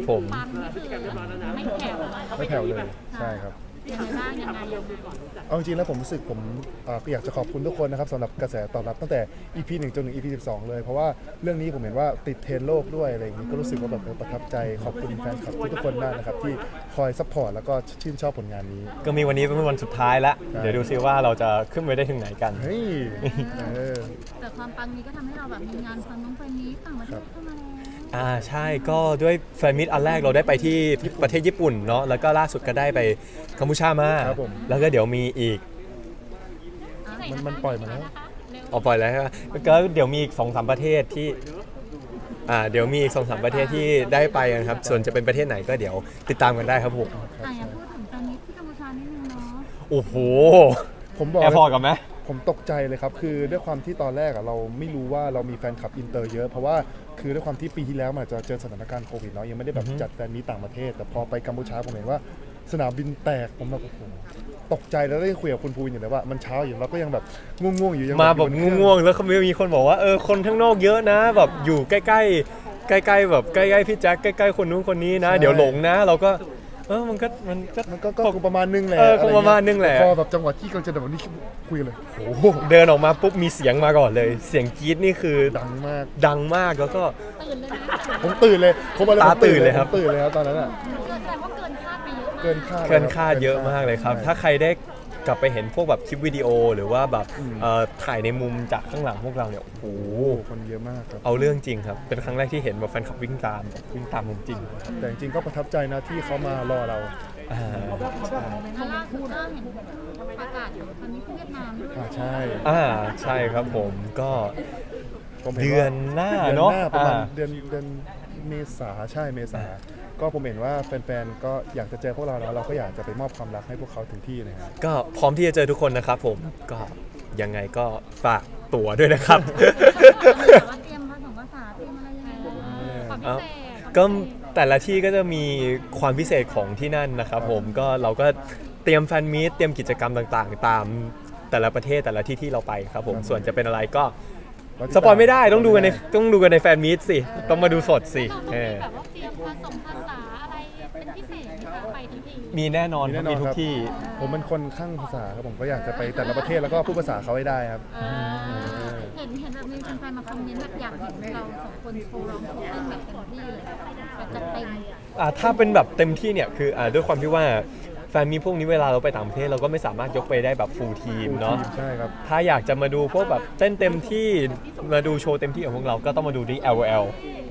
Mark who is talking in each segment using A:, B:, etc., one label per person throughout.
A: ครับผม
B: ปังนี่คือไม่แผ่ว
C: ไม่แผ่วเลยใช่ครับ
B: ยังไงบ้างยังไง
C: เอาจริงๆแล้วผมรู้สึกผมอยากจะขอบคุณทุกคนนะครับสำหรับกระแสตอบรับตั้งแต่ EP 1 จนถึง EP 12 เลยเพราะว่าเรื่องนี้ผมเห็นว่าติดเทรนด์โลกด้วยอะไรอย่างนี้ก็รู้สึกว่าแบบประทับใจขอบคุณแฟนคลับทุกคนมากนะครับที่คอยซัพพอร์ตแล้วก็ชื่นชอบผลงานนี้
A: ก็มีวันนี้เป็นวันสุดท้ายแล้วเดี๋ยวดูซิว่าเราจะขึ้นไปได้ถึงไหนกัน
C: เฮ้ย
B: แต่ความปังนี้ก็ทำให้เราแบบมีงานฟังน้องเพลงนี้ต่างประเทศเข้ามาแล้ว
A: ใช่ก็ด้วยแฟนมิตอันแรกเราได้ไปที่ประเทศญี่ปุ่นเนาะแล้วก็ล่าสุดก็ได้ไปกัมพูชามาแล้วก็เดี๋ยวมีอีก
C: มันปล่อยมาแล้ว
A: ปล่อยแล้วก็เดี๋ยวมีอีก 2-3 ประเทศที่เดี๋ยวมีอีก 2-3 ประเทศที่ได้ไปกันครับส่วนจะเป็นประเทศไหนก็เดี๋ยวติดตามกันได้ครับผม
B: อย่าพูดถึงแฟนมิตที่กัมพูชานิดนึงเนาะ
A: โอ้โห
C: ผมบอก
A: แอร์พอร์ตกันไหม
C: ผมตกใจเลยครับคือด้วยความที่ตอนแรกเราไม่รู้ว่าเรามีแฟนคลับอินเตอร์เยอะเพราะว่าคือด้วยความที่ปีที่แล้วมันจะเจอสถานการณ์โควิดเนาะยังไม่ได้แบบจัดแฟนมีตต่างประเทศแต่พอไปกัมพูชาผมเห็นว่าสนามบินแตกผมแบบโอ้โหตกใจแล้วได้คุยกับคุณภูวินอยู่เลยว่ามันเช้าอยู่เราก็ยังแบบง่วงๆอยู่ยัง
A: มาแบบง่วงๆแล้วเขามีคนบอกว่าคนข้างนอกเยอะนะแบบอยู่ใกล้ๆแบบใกล้ๆพี่แจ็คใกล้ๆคนนู้นคนนี้นะเดี๋ยวหลงนะเราก็มัน
C: ก็ประมาณนึงแหละ
A: คงประมาณนึงแหละ
C: พอแบบจังหวะที่กำลังจะแบบนี้คุยเลยโอ้โห
A: เดินออกมาปุ๊บมีเสียงมาก่อนเลยเสียงกรี๊ดนี่คือ
C: ดัง
A: มากแล้วก็
B: ตื่นเลยนะ
C: ผมตื่นเลย
A: ตาตื่นเลยครับ
C: ตื่นเลยครับตอนนั้น
B: แสดงว่าเกินคาดไปเยอะมาก
C: เกินคาด
A: เยอะมากเลยครับถ้าใครได้กลับไปเห็นพวกแบบคลิปวิดีโอหรือว่าแบบถ่ายในมุมจากข้างหลังพวกเราเนี่ยโอ้โห
C: คนเยอะมากครับ
A: เอาเรื่องจริงครับเป็นครั้งแรกที่เห็นแบบแฟนคลับวิ่งตามจริง
C: แต่จริงก็ประทับใจนะที่เขามารอเรา
B: แล้วล่าสุดก็เห็นประกาศอยู่ตอนนี้ที่เวียดนามด้วย
C: ใช่
A: ใช่ครับผมก็เดือนหน้าเนาะ
C: ประมาณเดือนเมษาใช่เมษาก็ผมเห็นว่าแฟนๆก็อยากจะเจอพวกเราแล้วเราก็อยากจะไปมอบความรักให้พวกเขาถึงที่เลยครับ
A: ก็พร้อมที่จะเจอทุกคนนะครับผมก็ยังไงก็ฝากตั๋วด้วยนะครับ
B: ว่าเตรียมภาษาเตรียมอะไรยังไงความพิเศษ
A: ก็แต่ละที่ก็จะมีความพิเศษของที่นั่นนะครับผมก็เราก็เตรียมแฟนมีตเตรียมกิจกรรมต่างๆตามแต่ละประเทศแต่ละที่ที่เราไปครับผมส่วนจะเป็นอะไรก็สปอยไม่ได้ต้องดูกันในแฟนมีตสิต้องมาดูสดสิ
B: แบบว่าเตรียมภาษาอะไรเป็นพิเศษไปทุกที่
A: มีแน่นอนมีทุกที่
C: ผมเป็นคนข้างภาษาครับผมก็อยากจะไปแต่ละประเทศแล้วก็พูดภาษาเขาให้ได้ครับ
B: เห็นแบบมีแฟนๆมาคอมเมนต์แบบอยากเห็นเราสองคนโชว์ร้องเพลงแบบเต็มที่เลยแบบจัดเต็ม
A: ถ้าเป็นแบบเต็มที่เนี่ยคือด้วยความที่ว่าแฟนมีพวกนี้เวลาเราไปต่างประเทศเราก็ไม่สามารถยกไปได้แบบฟูลทีมเนาะ
C: ใช่ครับ
A: ถ้าอยากจะมาดูพวกแบบเต้นเต็มที่มาดูโชว์เต็มที่ของพวกเราก็ต้องมาดูที่ LOL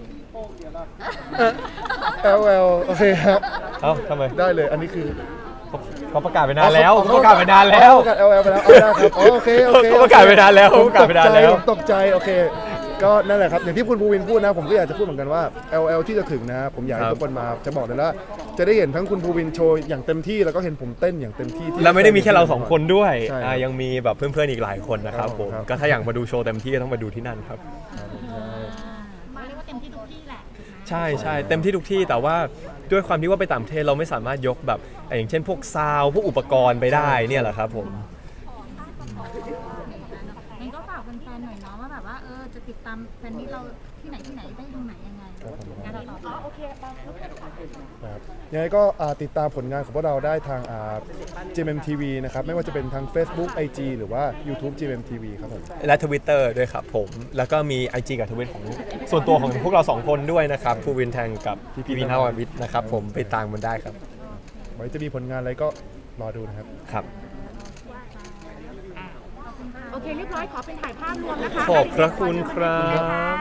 C: โอเคครับ
A: ทำไม
C: ได้เลยอันนี้คือ
A: เขาประกาศไปนานแล้วประกาศไปนานแล้ว
C: ประกาศ LOL ไปแล้วได้ครับโอเค
A: เขาประกาศไปนานแล้ว
C: ตกใจโอเคก็นั่นแหละครับอย่างที่คุณภูวินพูดนะผมก็อยากจะพูดเหมือนกันว่า LOL ที่จะถึงนะผมอยากให้ทุกคนมาจะบอกเลยว่าจะได้เห็นทั้งคุณภูวินโชว์อย่างเต็มที่แล้วก็เห็นผมเต้นอย่างเต็มที่
A: แล้วไม่ได้มีแค่เรา2คนด้วยยังมีแบบเพื่อนๆอีกหลายคนนะครับผมก็ถ้าอยากมาดูโชว์เต็มที่ต้องมาดูที่นั่นครับ
B: เรียกว่าเต็มที่ทุกที่แหละ
A: ใช่เต็มที่ทุกที่แต่ว่าด้วยความที่ว่าไปต่างประเทศเราไม่สามารถยกแบบอย่างเช่นพวกซาวพวกอุปกรณ์ไปได้เนี่ยแหละครับผม
B: งั้นก็ฝากแฟนๆหน่อยเนาะว่าแบบว่าจะติดตามแฟนนี้เราที่ไหนได้ตรงไหนยังไงงานเราต่อโอเค
C: ครับยังไงก็ติดตามผลงานของพวกเราได้ทางGMMTV นะครับไม่ว่าจะเป็นทาง Facebook IG หรือว่า YouTube GMMTV ครับผม
A: และ Twitter ด้วยครับผมแล้วก็มี IG กับ Twitter ของส่วนตัวของพวกเรา2คนด้วยนะครับภูวินแทงกับพี่วินทววิทย์นะครับผมไปตามมันได้ครับ
C: ไว้จะมีผลงานอะไรก็รอดูนะครับ
A: ครับ
B: โอเคเรียบร้อยขอเป็นถ่ายภาพรวมนะคะ
A: ขอบพระคุณครับ